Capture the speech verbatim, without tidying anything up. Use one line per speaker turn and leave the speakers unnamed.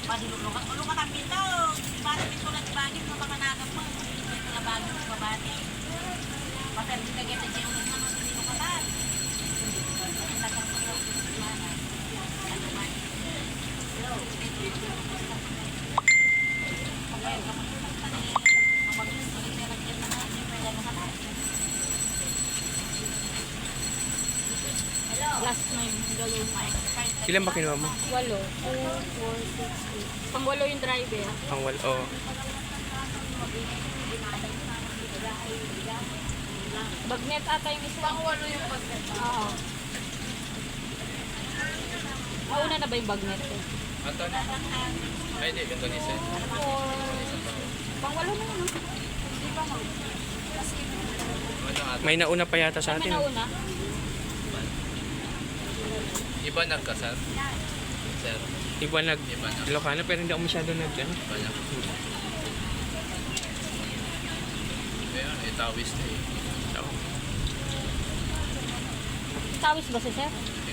Padulog-lugat. Ulungan ang pito. Para pitulat bagay mo mga nagam mo. Pitulat bagay mo babati. Paperdi ka kita dyan ulit naman sa nilukatan. Tagang ko daw sa mana. Ano man. Hello. Okay, kamusta ka na yun? Mabagis ko rin nilagyan na natin. Pwede mo ka na. Hello.
Last nine, gawin mo.
Ilan ba kinuha mo?
Walo. two, four, six, eight. Pang walo yung driver.
Ang wal, oh.
Bagnet ata yung isa. Pang walo yung bagnet. Oo. Mauna na ba yung bagnet eh?
Anthony? Ay, hindi. Yung ganisa.
Four. Pang walo na yun, no? Di ba mo?
Ano ata?
May nauna pa yata sa
May
atin.
nauna?
Iba nagkasal? Sir?
Iba nag
Iba na.
Ilocano pero hindi ako masyado nag ano.
Iba na. Kaya, itawis na eh.
So,
Tawis ba si sir?